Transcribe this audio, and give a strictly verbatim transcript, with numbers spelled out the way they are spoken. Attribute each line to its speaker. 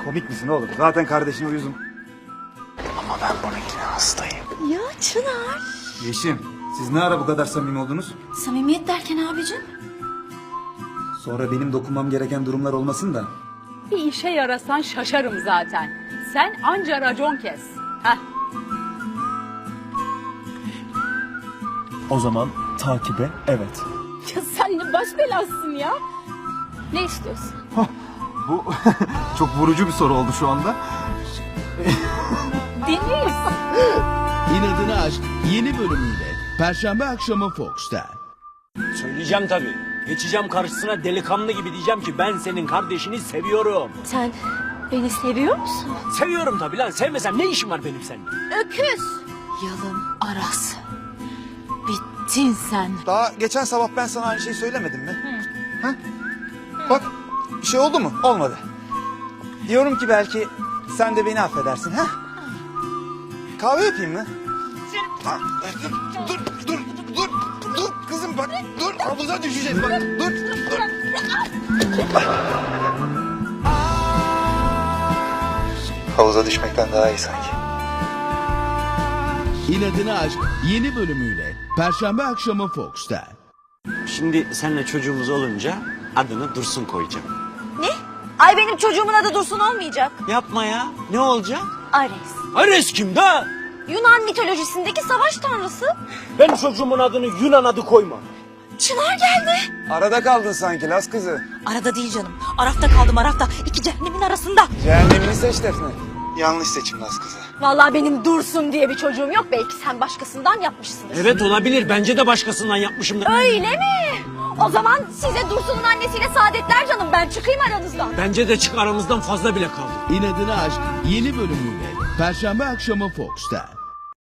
Speaker 1: Komik misin oğlum? Zaten kardeşine uyuzum.
Speaker 2: Ama ben bununkine hastayım.
Speaker 3: Ya Çınar.
Speaker 1: Yeşim, siz ne ara bu kadar samimi oldunuz?
Speaker 3: Samimiyet derken abicim?
Speaker 1: Sonra benim dokunmam gereken durumlar olmasın da.
Speaker 4: Bir işe yarasan şaşarım zaten. Sen anca racon kes. Heh.
Speaker 2: O zaman takibe evet.
Speaker 4: Ya sen ne baş belasısın ya. Ne istiyorsun?
Speaker 1: Bu çok vurucu bir soru oldu şu anda.
Speaker 4: Deniz.
Speaker 5: İnadına Aşk yeni bölümüyle Perşembe akşamı Fox'ta.
Speaker 6: Söyleyeceğim tabii. Geçeceğim karşısına delikanlı gibi diyeceğim ki ben senin kardeşini seviyorum.
Speaker 3: Sen beni seviyor musun?
Speaker 6: Seviyorum tabii lan. Sevmesem ne işim var benim seninle?
Speaker 3: Öküz. Yalın Aras. Bittin sen.
Speaker 1: Daha geçen sabah ben sana aynı şeyi söylemedim mi? Ha? Bak, bir şey oldu mu? Olmadı. Diyorum ki belki sen de beni affedersin ha? Kahve yapayım mı? Ha, dur, dur, dur, dur, dur kızım bak, dur havuza düşeceğiz bak, dur, dur. Havuza düşmekten daha iyi sanki.
Speaker 5: İnadına Aşk yeni bölümüyle Perşembe akşamı Fox'ta.
Speaker 6: Şimdi seninle çocuğumuz olunca adını Dursun koyacağım.
Speaker 3: Ne? Ay benim çocuğumun adı Dursun olmayacak.
Speaker 6: Yapma ya. Ne olacak?
Speaker 3: Ares.
Speaker 6: Ares kim da?
Speaker 3: Yunan mitolojisindeki savaş tanrısı.
Speaker 6: Ben çocuğumun adını Yunan adı koyma.
Speaker 3: Çınar geldi.
Speaker 1: Arada kaldın sanki Las kızı.
Speaker 3: Arada değil canım. Arafta kaldım Arafta. İki cehennemin arasında.
Speaker 1: Cehennemini seç Defne. Yanlış seçim Las kızı.
Speaker 3: Vallahi benim Dursun diye bir çocuğum yok. Belki sen başkasından yapmışsındır.
Speaker 6: Evet olabilir. Bence de başkasından yapmışımdır.
Speaker 3: Öyle mi? O zaman size Dursun'un annesiyle saadetler canım. Ben çıkayım aranızdan.
Speaker 6: Bence de çık aramızdan fazla bile kaldı.
Speaker 5: İnadına Aşk yeni bölümüyle Perşembe akşamı Fox'ta.